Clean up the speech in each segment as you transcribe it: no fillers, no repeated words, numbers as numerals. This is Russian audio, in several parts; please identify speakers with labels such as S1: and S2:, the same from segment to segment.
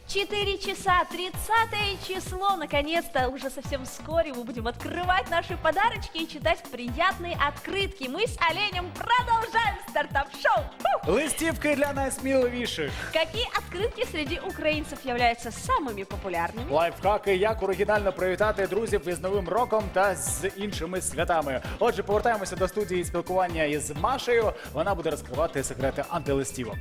S1: 4 часа, 30 число. Наконец-то, уже совсем вскоре мы будем открывать наши подарочки и читать приятные открытки. Мы с Оленем продолжаем стартап-шоу.
S2: Листівки для найсміливіших.
S1: Какие открытки среди украинцев являются самыми популярными?
S2: Лайфхаки, як оригінально привітати друзів із Новим роком та з іншими святами. Отже, повертаємося до студії спілкування із Машею. Вона буде розкривати секрети антилистівок.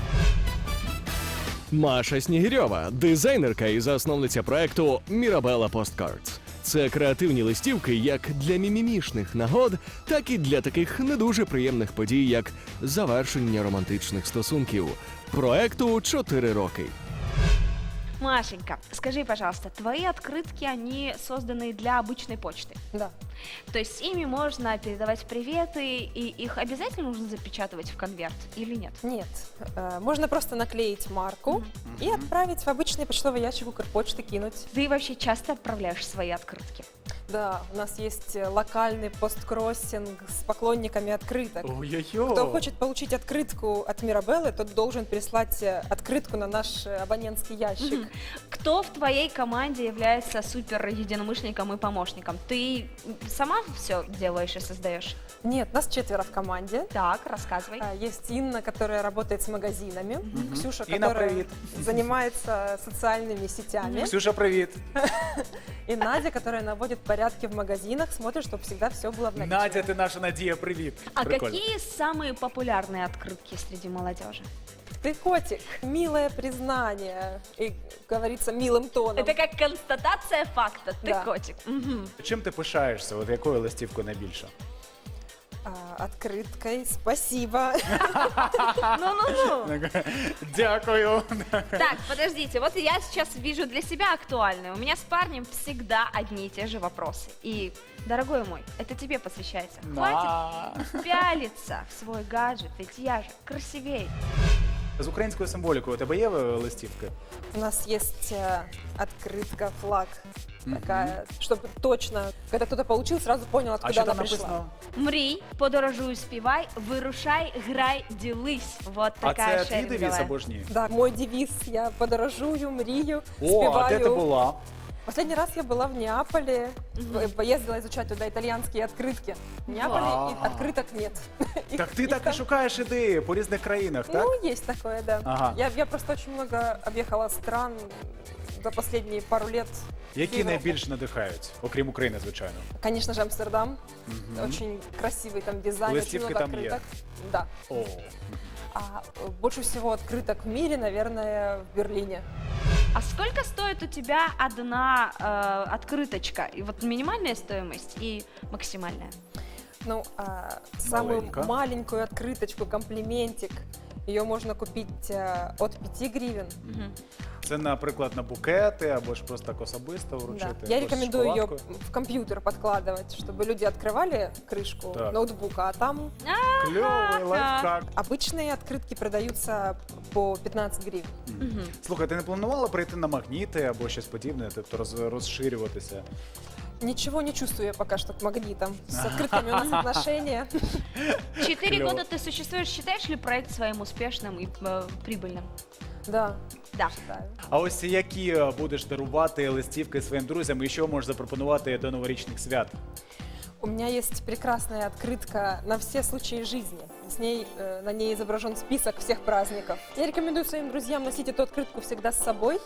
S3: Маша Снігирьова – дизайнерка і засновниця проекту Mirabella Postcards. Це креативні листівки як для мімімішних нагод, так і для таких не дуже приємних подій, як завершення романтичних стосунків. Проекту 4 роки.
S1: Машенька, скажи, пожалуйста, твои открытки, они созданы для обычной почты?
S4: Да.
S1: То есть с ими можно передавать приветы, и их обязательно нужно запечатывать в конверт или нет?
S4: Нет. Можно просто наклеить марку и отправить в обычный почтовый ящик Укрпочты, кинуть.
S1: Ты вообще часто отправляешь свои открытки?
S4: Да, у нас есть локальный посткроссинг с поклонниками открыток.
S2: Ой-ой-ой.
S4: Кто хочет получить открытку от Мирабеллы, тот должен прислать открытку на наш абонентский ящик.
S1: Кто в твоей команде является супер единомышленником и помощником? Ты сама все делаешь и создаешь?
S4: Нет, нас 4 в команде.
S1: Так, рассказывай.
S4: Есть Инна, которая работает с магазинами. Ксюша,
S2: Инна,
S4: которая
S2: привет.
S4: занимается социальными сетями.
S2: Ксюша, привіт.
S4: И Надя, которая наводит порядки в магазинах, смотрит, чтобы всегда все было в наличии.
S2: Надя, ти наша Надія, привіт.
S1: А
S2: Прикольно.
S1: какие самые популярные открытки среди молодежи?
S4: Ты котик, милое признание. И говорится милым тоном.
S1: Это как констатация факта. Ты
S4: Да.
S1: котик. Мгм.
S2: Чим ти пишаєшся? От якою листівкою найбільше?
S4: Открыткой, спасибо.
S1: Ну-ну-ну.
S2: Дякую.
S1: Так, подождите, вот я сейчас вижу для себя актуальное. У меня с парнем всегда одни и те же вопросы. И, дорогой мой, это тебе посвящается. Хватит пялиться в свой гаджет, ведь я же красивей.
S2: З українською символікою у тебе є листівки?
S4: У нас есть открытка, флаг. Такая, чтобы точно, когда кто-то получил, сразу понял,
S2: А
S4: откуда
S2: що
S4: она
S2: там
S4: пришла.
S2: написано?
S1: Мрій, подорожуй, співай, вирушай, грай, ділись. Вот
S2: А
S1: такая
S2: це твій девіз
S1: шеринговая.
S2: або ж ні?
S4: Да, мой девиз. Я подорожую, мрию,
S2: О,
S4: спеваю.
S2: а де ти була?
S4: Последний раз я была в Неаполе, поездила изучать туда итальянские открытки. В Неаполе
S2: Вау.
S4: и открыток нет.
S2: Так ти
S4: Их
S2: так і
S4: там-
S2: шукаєш ідеї по різних країнах, так?
S4: Ну, есть такое, да.
S2: Ага.
S4: Я просто очень много объехала стран за последние пару лет.
S2: Які
S4: Європу.
S2: найбільше надихають, окрім України, звичайно?
S4: Конечно же, Амстердам. Очень красивый там дизайн, очень
S2: Листівки
S4: много
S2: там є?
S4: открыток. Да.
S2: О,
S4: А больше всего открыток в мире, наверное, в Берлине.
S1: А сколько стоит у тебя одна открыточка? И вот минимальная стоимость и максимальная.
S4: Ну, самую
S2: Маленько.
S4: маленькую открыточку, комплиментик, ее можно купить от 5 гривен.
S2: це, наприклад, на букети або ж просто так особисто вручити.
S4: Да. Я
S2: або з
S4: рекомендую ее
S2: шоколадкою.
S4: в компьютер подкладывать, чтобы люди открывали крышку
S2: Так.
S4: ноутбука, а там
S2: Кльовий лайфхак.
S4: обычные открытки продаются по 15 гривен.
S2: Слухай, ти не планувала прийти на магніти або щось подібне, тобто розширюватися?
S4: Ничего не чувствую я пока что к магнитам. С открытками у нас отношения.
S1: 4
S2: Клево.
S1: года ты существуешь. Считаешь ли проект своим успешным и прибыльным?
S4: Да,
S1: Да.
S4: считаю.
S2: А ось які будеш дарувати листівки своїм друзям і що можеш запропонувати до новорічних свят?
S4: У меня есть прекрасная открытка на все случаи жизни. На ней изображен список всех праздников. Я рекомендую своим друзьям носить эту открытку всегда с собой.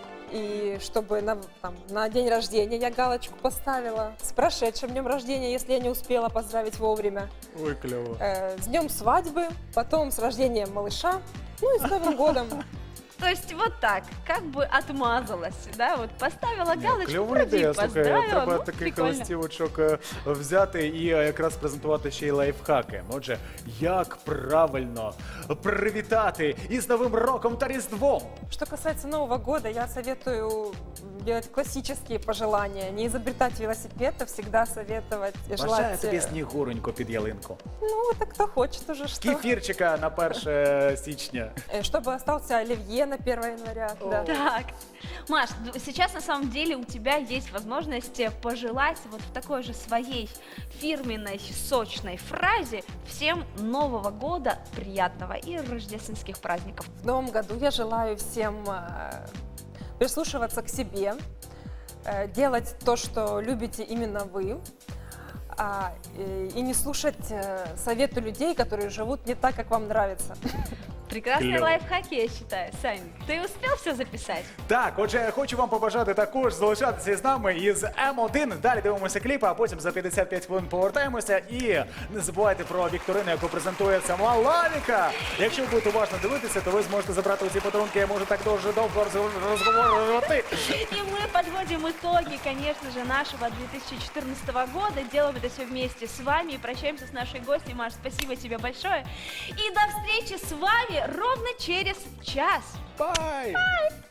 S4: И чтобы на день рождения я галочку поставила. С прошедшим днем рождения, если я не успела поздравить вовремя.
S2: Ой, кльово.
S4: С днем свадьбы, потом с рождением малыша. Ну и с Новым годом.
S1: То есть вот так, как бы отмазалась, да, вот поставила галочку,
S2: Кльова
S1: вроде
S2: ідея, слухай,
S1: поздравила,
S2: треба
S1: ну,
S2: таких
S1: прикольно.
S2: листівочок взяти і якраз презентувати ще й лайфхаки. Отже, як правильно привітати із Новим роком та Різдвом?
S4: Что касается Нового года, я советую делать классические пожелания. Не изобретать велосипед, а всегда советовать,
S2: Бажаю
S4: желать...
S2: тобі снігуренько під ялинку.
S4: Ну, это кто хочет уже что.
S2: Кефірчика на 1 січня.
S4: Чтобы остался оливье на 1 января. Да.
S1: Так, Маш, сейчас на самом деле у тебя есть возможность пожелать вот в такой же своей фирменной сочной фразе всем Нового года приятного и рождественских праздников.
S4: В новом году я желаю всем прислушиваться к себе, делать то, что любите именно вы, и не слушать советы людей, которые живут не так, как вам нравится.
S1: Прекрасные
S2: Клево.
S1: лайфхаки, я считаю. Сань, ты успел все записать?
S2: Так, отже, хочу вам побажати також залишатися з нами із М1. Далі дивимося кліпи, а потім за 55 хвилин повертаємося. І не забувайте про вікторину, яку презентує сама Лавіка. Якщо ви будете уважно дивитися, то ви зможете забрати усі подарунки. Я можу так дуже довго розговорювати.
S1: И мы подводим итоги, конечно же, нашего 2014 года. Делаем это все вместе с вами. И прощаемся с нашей гостьей. Маш, спасибо тебе большое. И до встречи с вами ровно через час.
S2: Бай!